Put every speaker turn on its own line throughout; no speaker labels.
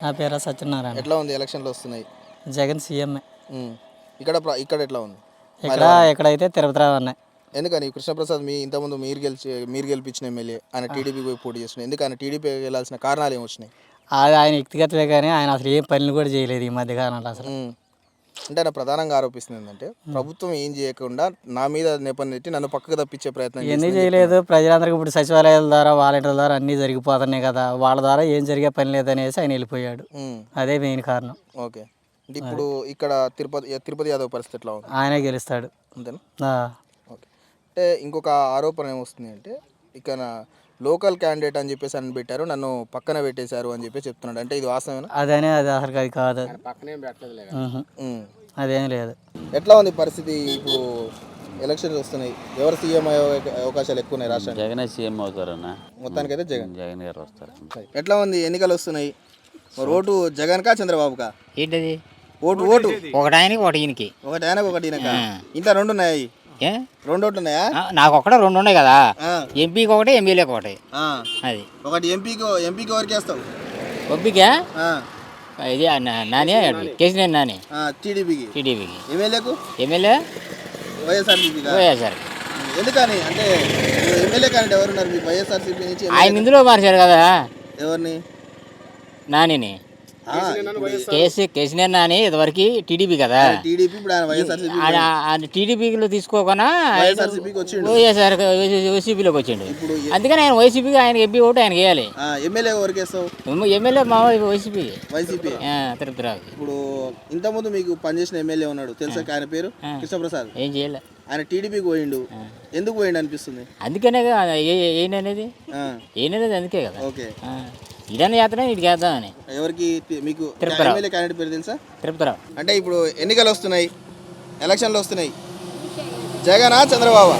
నా పేరు సత్యనారాయణ.
ఎట్లా ఉంది ఎలక్షన్లు వస్తున్నాయి?
జగన్ సీఎం.
ఇక్కడ ఇక్కడ ఎట్లా ఉంది?
ఎక్కడైతే తిరుపతిరావు ఉన్నాయి.
ఎందుకని కృష్ణప్రసాద్ ఇంతకుముందు మీరు గెలిపించిన ఎమ్మెల్యే ఆయన టీడీపీ పోయి పోటీ చేస్తున్నాయి, ఎందుకు ఆయన టీడీపీ వెళ్ళాల్సిన కారణాలు ఏమొచ్చినాయి?
అది ఆయన వ్యక్తిగతమే, కానీ ఆయన అసలు ఏం పనులు కూడా చేయలేదు ఈ మధ్యకాలంలో అసలు.
అంటే ఆయన ప్రధానంగా ఆరోపిస్తుంది ఏంటంటే ప్రభుత్వం ఏం చేయకుండా నా మీద నెపం నెట్టి నన్ను పక్కకు తప్పించే ప్రయత్నం
ఎందుకు చేయలేదు? ప్రజలందరికీ ఇప్పుడు సచివాలయాల ద్వారా వాలంటీర్ల ద్వారా అన్నీ జరిగిపోతున్నాయి కదా, వాళ్ళ ద్వారా ఏం జరిగే పని లేదనేసి ఆయన వెళ్ళిపోయాడు. అదే మెయిన్ కారణం.
ఓకే, ఇప్పుడు ఇక్కడ తిరుపతి యాదవ్ పరిస్థితి ఎట్లా ఉంది?
ఆయనే గెలుస్తాడు అంతేనా?
ఓకే, అంటే ఇంకొక ఆరోపణ ఏమొస్తుంది అంటే ఇక్కడ లోకల్ క్యాండిడేట్ అని చెప్పేసి అని పెట్టారు, నన్ను పక్కన పెట్టేశారు అని చెప్పి చెప్తున్నాడు. అంటే ఇది వాస్తవేనా?
అది అసలు అది కాదు, అదేం లేదు.
ఎట్లా ఉంది పరిస్థితి? ఇప్పుడు ఎలక్షన్స్ వస్తున్నాయి, ఎవరు సీఎం అయ్యే అవకాశాలు ఎక్కువ ఉన్నాయి రాష్ట్రానికి?
జగన్ సీఎం అవుతారన్న.
మొత్తానికైతే జగన్
గారు వస్తారు.
ఎట్లా ఉంది? ఎన్నికలు వస్తున్నాయి, మరి ఓటు జగన్ కా చంద్రబాబుకా?
ఏంటది?
ఓటు
ఒకటి ఆయనకి ఒకటి ఈయనకి.
ఒకటి ఆయనకు ఒకటి ఈయనక. ఇంట్లో రెండు ఉన్నాయి, రెండు ఓట్లు ఉన్నాయా?
నాకు ఒకటే రెండు ఉన్నాయి కదా, ఎంపీకి ఒకటి ఎమ్మెల్యేకి ఒకటి. అది
ఒకటి ఎంపీకి ఎవరికి వేస్తావు?
ఎంపీకా ఇది నానే కేసీఆర్ నాని. టీడీపీకి. MLA YSR.
ఎందుకని అంటే ఎమ్మెల్యే క్యాండిడేట్ ఎవరున్నారు మీకు వైఎస్ఆర్సీపీ నుంచి?
ఆయన ఇందులో మార్చారు కదా.
ఎవరిని?
నానిని. కేసీఆర్ నాని ఇదివరకు టీడీపీ కదా, టీడీపీలో తీసుకోకుండా వైసీపీలోకి వచ్చిండు. అందుకని ఆయన వైసీపీకి ఆయన ఎంపీ ఓటు ఆయన వేయాలి. ఎమ్మెల్యే మా వైసీపీ తిరుపతిరావు.
ఇప్పుడు ఇంతకుముందు మీకు పనిచేసిన ఎమ్మెల్యే ఉన్నాడు తెలుసా, ఆయన పేరు కృష్ణప్రసాద్.
ఏం చేయాలి?
ఆయన టీడీపీకి పోయిండు, ఎందుకు పోయిండు అనిపిస్తుంది?
అందుకనే ఏననేది అందుకే కదా.
ఓకే,
ఇదన్నా చేతనే ఇటు చేద్దామని.
ఎవరికి మీకు ఎమ్మెల్యే క్యాండిడేట్ పేరు తెలుసా?
తిరుపతిరావు.
అంటే ఇప్పుడు ఎన్నికలు వస్తున్నాయి, ఎలక్షన్లు వస్తున్నాయి, జగనా చంద్రబాబు?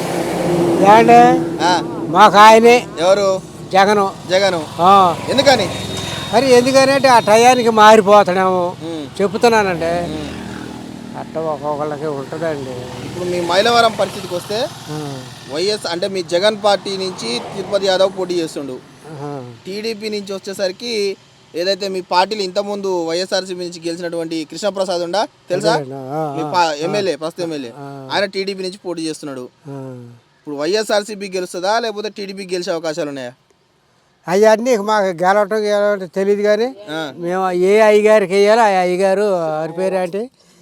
మాకు ఆయనే.
ఎవరు?
జగను.
ఎందుకని?
మరి ఎందుకనంటే ఆ టయానికి మారిపోతాడేమో చెప్తున్నానండి, అట్ట ఒక్కొక్కళ్ళకి ఉంటుందండి.
ఇప్పుడు మీ మైలవరం పరిస్థితికి వస్తే వైఎస్ అంటే మీ జగన్ పార్టీ నుంచి తిరుపతి యాదవ్ పోటీ చేస్తుండు, టీడీపీ నుంచి వచ్చేసరికి ఏదైతే మీ పార్టీలు ఇంతకుముందు వైఎస్ఆర్సీపీ నుంచి గెలిచినటువంటి కృష్ణప్రసాద్ ఉండా తెలుసా, మీ ఎమ్మెల్యే, ప్రస్తుత ఎమ్మెల్యే, ఆయన టీడీపీ నుంచి పోటీ చేస్తున్నాడు. ఇప్పుడు వైఎస్ఆర్సీపీ గెలుస్తుందా లేకపోతే టీడీపీ గెలిచే అవకాశాలు ఉన్నాయా?
అవన్నీ మాకు గెలవటం తెలియదు, కానీ మేము ఏ అయ్యగారికి వేయాలో ఆ అయ్యగారు వారి పేరు అంటే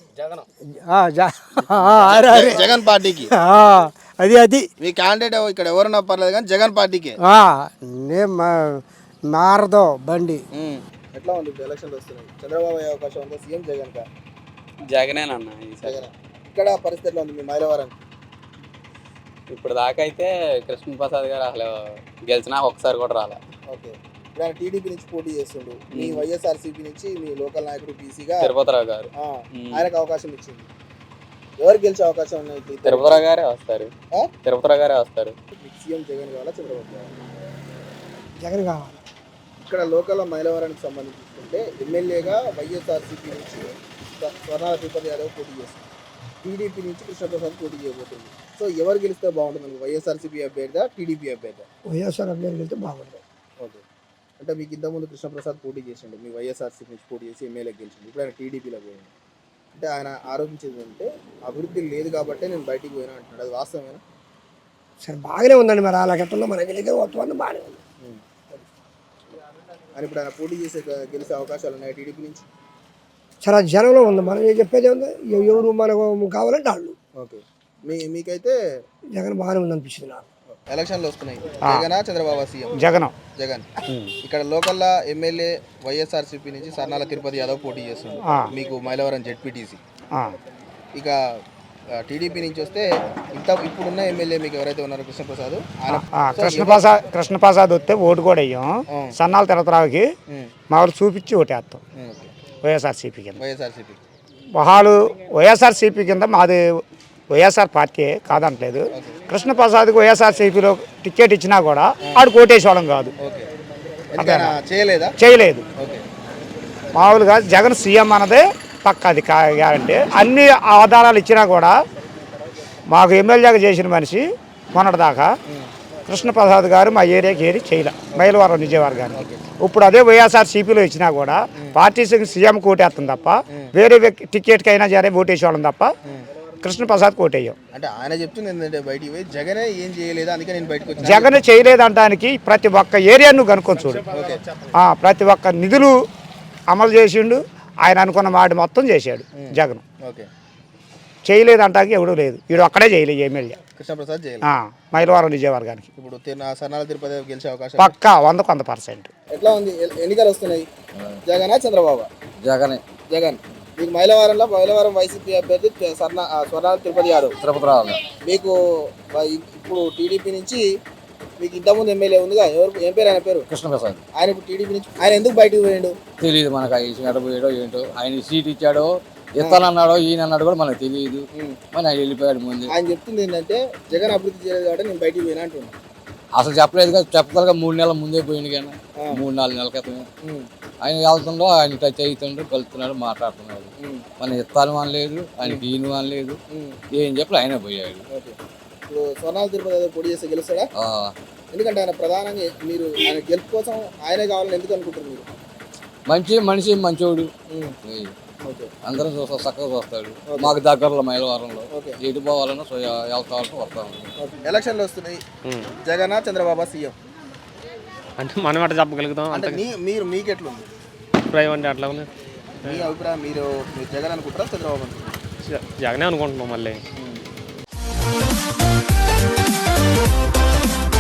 జగన్ పార్టీకి.
అది
మీ క్యాండిడేట్ ఇక్కడ ఎవరున్నా పర్లేదు కానీ జగన్ పార్టీకి
మారదో బండి.
ఎట్లా ఉంది ఎలక్షన్లు వస్తున్నాయి, చంద్రబాబు అయ్యే అవకాశం ఉందా సీఎం జగన్ కా?
జగనేనన్న.
ఇక్కడ పరిస్థితి ఎట్లా ఉంది మీ మైలవరం?
ఇప్పుడు దాకా అయితే కృష్ణప్రసాద్ గారు అసలు గెలిచినా ఒకసారి కూడా రాలే.
ఓకే, ఇప్పుడు ఆయన టీడీపీ నుంచి పోటీ చేస్తుండు, మీ వైఎస్ఆర్సీపీ నుంచి మీ లోకల్ నాయకుడు పీసీగా
తిరుపతిరావు గారు,
ఆయనకు అవకాశం ఇచ్చింది. ఎవరు గెలిచే అవకాశం ఉన్నాయి?
తిరుపతిరావు గారే వస్తారు.
సీఎం జగన్ కావాలా చంద్రబాబు కావాలా?
జగన్ కావాలి.
ఇక్కడ లోకల్ మైలవరానికి సంబంధించి చూసుకుంటే ఎమ్మెల్యేగా వైఎస్ఆర్సీపీ నుంచి స్వర్ణాల తిరుపతి యాదవ్ పోటీ చేస్తుంది, టీడీపీ నుంచి కృష్ణప్రసాద్ పోటీ చేయబోతుంది. సో ఎవరు గెలిస్తే బాగుంటుంది, వైఎస్ఆర్సీపీ అభ్యర్థి టీడీపీ అభ్యర్థి?
వైఎస్ఆర్ అభ్యర్థి గెలిస్తే బాగుంటుంది.
ఓకే, అంటే మీకు ఇంతకుముందు కృష్ణప్రసాద్ పోటీ చేసిండు, మీ వైఎస్ఆర్సీపీ నుంచి పోటీ చేసి ఎమ్మెల్యే గెలిచిండు, ఇప్పుడు ఆయన టీడీపీలో పోయింది. అంటే ఆయన ఆరోపించేది అంటే అభివృద్ధి లేదు కాబట్టి నేను బయటికి పోయినా అంటున్నాడు, అది వాస్తవమేనా?
సరే బాగానే ఉందండి, మరి అలా గట్టంలో మన గెలిగే వస్తుంది, బాగానే ఉంది.
అని ఇప్పుడు ఆయన పోటీ చేసే గెలిచే అవకాశాలు ఉన్నాయి టీడీపీ నుంచి?
చాలా జనంలో ఉంది, మనం ఏం చెప్పేది ఉంది, ఎవరు మనకు కావాలంటే వాళ్ళు.
ఓకే, మీకైతే
జగన్ బాగానే ఉంది అనిపిస్తుంది నాకు.
ఎలక్షన్లు వస్తున్నాయి, జగనా చంద్రబాబు సీఎం? జగన్. ఇక్కడ లోకల్ ఎమ్మెల్యే వైఎస్ఆర్సీపీ నుంచి సర్నాల తిరుపతి యాదవ్ పోటీ చేస్తుంది, మీకు మైలవరం జెడ్పీటీసీ. ఇక టీడీపీ నుంచి వస్తే ఇప్పుడున్న ఎమ్మెల్యే మీకు ఎవరైతే ఉన్నారో
కృష్ణప్రసాద్ వస్తే ఓటు కూడా వేయం, సన్నాల తిరుపతిరావుకి మా వాళ్ళు చూపించి ఓటేస్తాం వైఎస్ఆర్సీపీ కింద. వైఎస్ఆర్సీపీ కింద మాది వైఎస్ఆర్ పార్టీ కాదంటలేదు, కృష్ణప్రసాద్కి వైఎస్ఆర్సీపీలో టికెట్ ఇచ్చినా కూడా ఆడు కోటేశ్వరం కాదు, చేయలేదు. మామూలుగా జగన్ సీఎం అన్నదే పక్క, అది గ్యారంటీ. అన్ని ఆధారాలు ఇచ్చినా కూడా మాకు ఎమ్మెల్యేగా చేసిన మనిషి మొన్నటిదాకా కృష్ణప్రసాద్ గారు మా ఏరియాకి ఏది చేయలే మైలవరం నిజవర్గానికి. ఇప్పుడు అదే వైఎస్ఆర్సీపీలో ఇచ్చినా కూడా పార్టీ సీఎం కోటేస్తుంది తప్ప వేరే టికెట్కి అయినా సరే ఓటేసేవాళ్ళం తప్ప కృష్ణప్రసాద్ కోటేయం.
అంటే ఆయన చెప్తుంది ఏంటంటే బయటికి పోయి జగనే ఏం చేయలేదు అందుకే నేను బయటకు వచ్చాను.
జగన్ చేయలేదంటానికి ప్రతి ఒక్క ఏరియాను నువ్వు కనుక్కొని చూడు. ప్రతి ఒక్క నిధులు అమలు చేసిండు. ఆయన అనుకున్న మాట మొత్తం చేశాడు జగన్.
ఓకే,
చేయలేదంటానికి ఎవడూ లేదు. వీడు అక్కడే చేయలేదు ఎమ్మెల్యే
కృష్ణప్రసాద్ చేయలేదు.
మైలవరం విజయవర్గానికి
ఇప్పుడు సన్నాల తిరుపతి గెలిచే అవకాశం
పక్కా 100%.
ఎట్లా ఉంది? ఎన్నికలు వస్తున్నాయి, జగనా చంద్రబాబు?
జగనే.
జగన్. మీకు మైలవరం వైసీపీ అభ్యర్థి స్వర్ణాల తిరుపతి యాదవ్.
తిరుపతి రావాలి.
మీకు ఇప్పుడు టీడీపీ నుంచి మీకు ఇంతకుముందు ఎమ్మెల్యే ఉందిగా, ఏం పేరు ఆయన పేరు?
కృష్ణప్రసాద్.
ఆయన ఇప్పుడు టీడీపీ నుంచి ఆయన ఎందుకు బయటకు పోయాడు
తెలియదు మనకు. ఆయన పోయాడో ఏంటో, ఆయన సీట్ ఇచ్చాడో ఇస్తానన్నాడో ఈయన అన్నాడు కూడా మనకు తెలియదు. మన ఆయన వెళ్ళిపోయాడు ముందు.
ఆయన చెప్తుంది ఏంటంటే జగన్ అభివృద్ధి చేయలేదు కాబట్టి నేను బయటికి పోయినా అంటున్నాను.
అసలు చెప్పలేదు కదా, చెప్పగలగా 3 నెలల ముందే పోయింది కానీ 3-4 నెలల క్రితమే. ఆయన వెళ్తుండో ఆయన టచ్ అవుతుండ్రు, కలుస్తున్నాడు, మాట్లాడుతున్నాడు. మనం ఇస్తాను అనలేదు, ఆయనకి ఈయన అనలేదు, ఏం చెప్పి ఆయనే పోయాడు.
ఇప్పుడు స్వర్ణాల తిరుపతి పొడి చేస్తే గెలుస్తాడా? ఎందుకంటే ఆయన ప్రధానంగా మీరు ఆయన గెలుపు కోసం ఆయనే కావాలని ఎందుకు అనుకుంటారు మీరు?
మనిషి మంచోడు, అందరం చూస్తా చక్కగా చూస్తాడు. మాకు దగ్గరలో మైలవరంలో ఎటు పోవాలన్నా వెళ్తాను వస్తాను.
ఎలక్షన్లు వస్తున్నాయి, జగన్ చంద్రబాబు సీఎం
అంటే మనం అట్లా చెప్పగలుగుతాం.
అంటే మీకు ఎట్లుంది
అభిప్రాయం? అంటే అట్లా ఉంది
మీ అభిప్రాయం. మీరు జగన్ అనుకుంటారా చంద్రబాబు అనుకుంటారా?
జగనే అనుకుంటున్నాం మళ్ళీ.